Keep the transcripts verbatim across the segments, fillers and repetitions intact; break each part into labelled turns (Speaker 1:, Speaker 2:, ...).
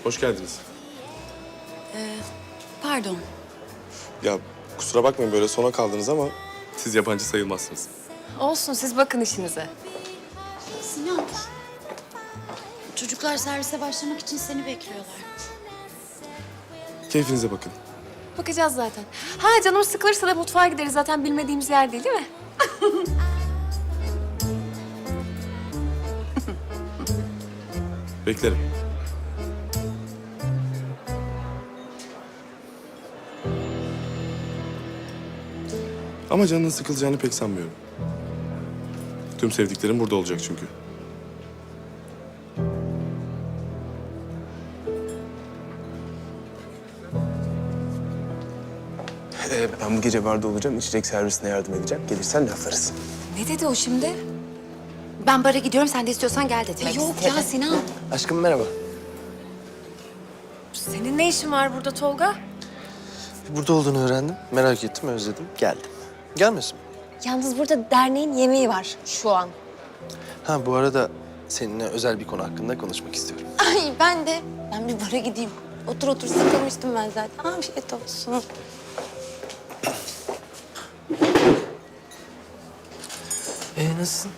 Speaker 1: Hoş geldiniz.
Speaker 2: Pardon.
Speaker 1: Ya kusura bakmayın böyle sona kaldınız ama siz yabancı sayılmazsınız.
Speaker 3: Olsun, siz bakın işinize.
Speaker 2: Sinan. Çocuklar servise başlamak için seni bekliyorlar.
Speaker 1: Keyfinize bakın.
Speaker 3: Bakacağız zaten. Ha canım sıkılırsa da mutfağa gideriz. Zaten bilmediğimiz yer değil, değil mi?
Speaker 1: Beklerim. Ama canının sıkılacağını pek sanmıyorum. Tüm sevdiklerim burada olacak çünkü.
Speaker 4: Ee, ben bu gece barda olacağım. İçecek servisine yardım edeceğim. Gelirsen laflarız.
Speaker 3: Ne dedi o şimdi?
Speaker 2: Ben bara gidiyorum, sen de istiyorsan gel de demek
Speaker 3: Yok
Speaker 2: istedi.
Speaker 3: ya Sinan.
Speaker 4: Aşkım merhaba.
Speaker 3: Senin ne işin var burada Tolga?
Speaker 4: Burada olduğunu öğrendim. Merak ettim, özledim. Geldim. Gelmesin mi?
Speaker 3: Yalnız burada derneğin yemeği var şu an.
Speaker 4: Ha bu arada seninle özel bir konu hakkında konuşmak istiyorum.
Speaker 2: Ay ben de. Ben bir bara gideyim. Otur otur sıkılmıştım ben zaten. Afiyet olsun.
Speaker 4: Ee nasılsın?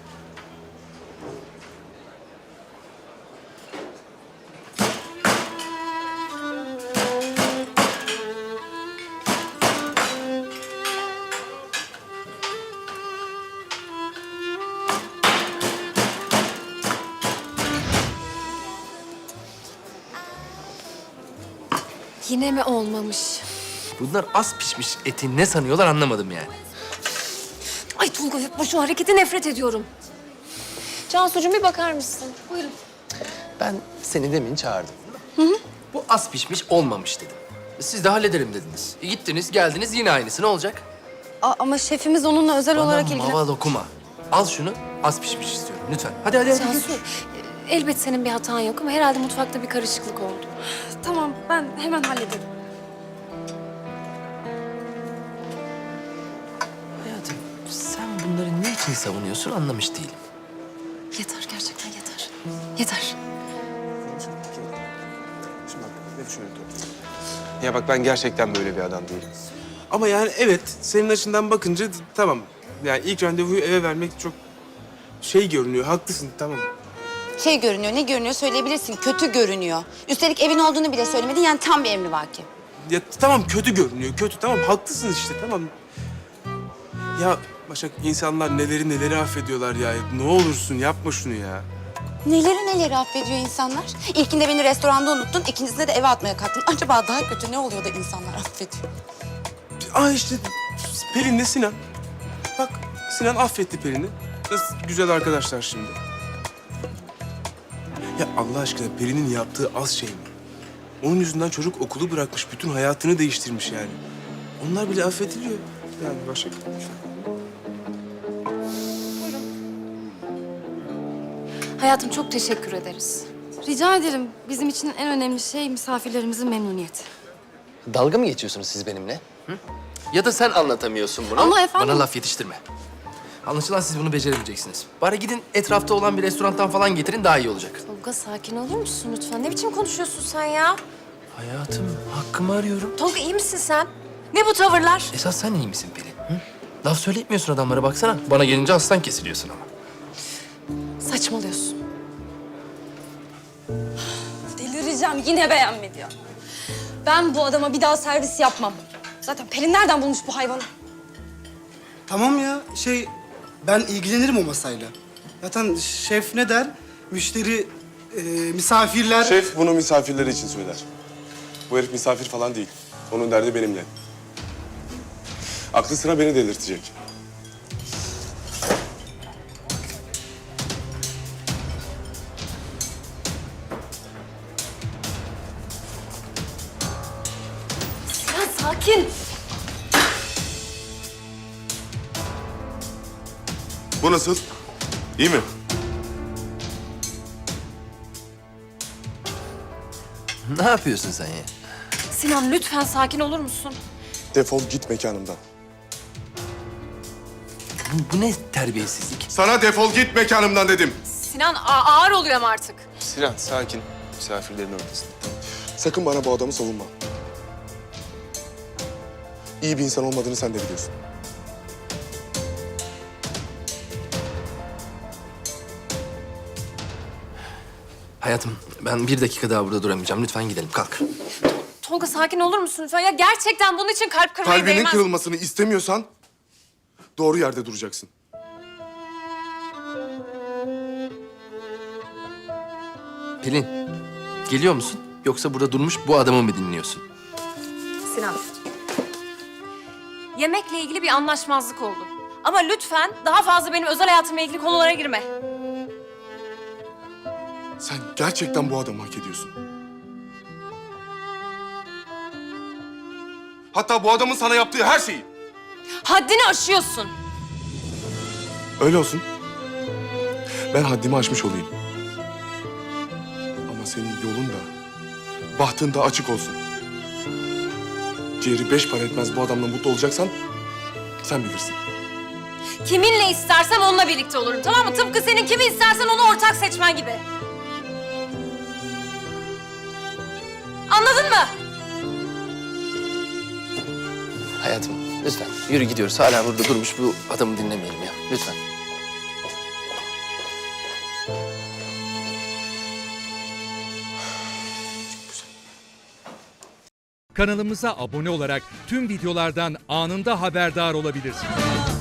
Speaker 3: Yine mi olmamış?
Speaker 5: Bunlar az pişmiş eti ne sanıyorlar anlamadım yani.
Speaker 3: Ay Tolga yapma şu hareketi, nefret ediyorum. Cansucuğum bir bakar mısın? Buyurun.
Speaker 4: Ben seni demin çağırdım.
Speaker 5: Bu az pişmiş olmamış dedim. Siz de hallederim dediniz. E, gittiniz geldiniz yine aynısı ne olacak?
Speaker 2: A- ama şefimiz onunla özel
Speaker 5: Bana
Speaker 2: olarak ilgilen...
Speaker 5: maval okuma. Al şunu az pişmiş istiyorum lütfen. Hadi hadi hadi.
Speaker 3: Cansu, elbet senin bir hatan yok ama herhalde mutfakta bir karışıklık oldu.
Speaker 2: Tamam, ben hemen hallederim.
Speaker 5: Hayatım sen bunları ne için savunuyorsun anlamış değilim.
Speaker 3: Yeter, gerçekten yeter. Yeter.
Speaker 4: Şimdi bak ne düşünüyorum? Ya bak ben gerçekten böyle bir adam değilim.
Speaker 6: Ama yani evet, senin açından bakınca d- tamam. Yani ilk randevuyu eve vermek çok şey görünüyor, haklısın tamam.
Speaker 2: Şey görünüyor, ne görünüyor söyleyebilirsin. Kötü görünüyor. Üstelik evin olduğunu bile söylemedin. Yani tam bir emrivaki.
Speaker 6: Ya tamam kötü görünüyor, kötü tamam haklısın işte tamam. Ya Başak insanlar neleri neleri affediyorlar ya. Ne olursun yapma şunu ya.
Speaker 2: Neleri neleri affediyor insanlar. İlkinde beni restoranda unuttun, ikincisinde de eve atmaya kalktın. Acaba daha kötü ne oluyor da insanlar affediyor?
Speaker 6: Aa işte Pelin'le Sinan. Bak Sinan affetti Pelin'i. Nasıl güzel arkadaşlar şimdi. Ya Allah aşkına Pelin'in yaptığı az şey mi? Onun yüzünden çocuk okulu bırakmış, bütün hayatını değiştirmiş yani. Onlar bile affediliyor. Yani Başak.
Speaker 3: Hayatım çok teşekkür ederiz.
Speaker 7: Rica ederim. Bizim için en önemli şey misafirlerimizin memnuniyeti.
Speaker 5: Dalga mı geçiyorsunuz siz benimle? Hı? Ya da sen anlatamıyorsun bunu.
Speaker 7: Ama efendim-
Speaker 5: Bana laf yetiştirme. Anlaşılan siz bunu beceremeyeceksiniz. Bari gidin etrafta olan bir restorandan falan getirin daha iyi olacak.
Speaker 3: Tolga sakin olur musun lütfen? Ne biçim konuşuyorsun sen ya?
Speaker 5: Hayatım hakkımı arıyorum.
Speaker 3: Tolga iyi misin sen? Ne bu tavırlar?
Speaker 5: Esas sen iyi misin Pelin? Hı? Laf söyletmiyorsun adamlara baksana. Bana gelince aslan kesiliyorsun ama.
Speaker 3: Saçmalıyorsun.
Speaker 7: Delireceğim. Yine beğenmedi ya. Ben bu adama bir daha servis yapmam. Zaten Pelin nereden bulmuş bu hayvanı?
Speaker 8: Tamam ya, şey ben ilgilenirim o masayla. Zaten şef ne der? Müşteri, e, misafirler...
Speaker 1: Şef bunu misafirleri için söyler. Bu herif misafir falan değil. Onun derdi benimle. Aklı sıra beni delirtecek.
Speaker 3: Sinan sakin.
Speaker 1: Bu nasıl? İyi mi?
Speaker 5: Ne yapıyorsun sen ya?
Speaker 3: Sinan lütfen sakin olur musun?
Speaker 1: Defol git mekanımdan.
Speaker 5: Bu, bu ne terbiyesizlik?
Speaker 1: Sana defol git mekanımdan dedim.
Speaker 3: Sinan a- ağır oluyor ama artık.
Speaker 4: Sinan sakin.
Speaker 1: misafirlerin ortasında. Sakın bana bu adamı savunma. İyi bir insan olmadığını sen de biliyorsun.
Speaker 5: Hayatım, ben bir dakika daha burada duramayacağım. Lütfen gidelim, kalk.
Speaker 3: Tolga sakin olur musun lütfen? Ya gerçekten bunun için kalp kırmaya
Speaker 1: Kalbinin
Speaker 3: değmez.
Speaker 1: kırılmasını istemiyorsan doğru yerde duracaksın.
Speaker 5: Pelin, geliyor musun? Yoksa burada durmuş bu adamı mı dinliyorsun?
Speaker 3: Sinan. Yemekle ilgili bir anlaşmazlık oldu. Ama lütfen daha fazla benim özel hayatımla ilgili konulara girme.
Speaker 1: Sen gerçekten bu adamı hak ediyorsun. Hatta bu adamın sana yaptığı her şeyi.
Speaker 3: Haddini aşıyorsun.
Speaker 1: Öyle olsun. Ben haddimi aşmış olayım. Ama senin yolun da, bahtın da açık olsun. Ciğeri beş para etmez bu adamla mutlu olacaksan sen bilirsin.
Speaker 3: Kiminle istersem onunla birlikte olurum, tamam mı? Tıpkı senin kimi istersen onu ortak seçmen gibi. Anladın mı?
Speaker 5: Hayatım, lütfen yürü gidiyoruz. Hala burada durmuş bu adamı dinlemeyelim ya. Lütfen.
Speaker 9: Kanalımıza abone olarak tüm videolardan anında haberdar olabilirsiniz.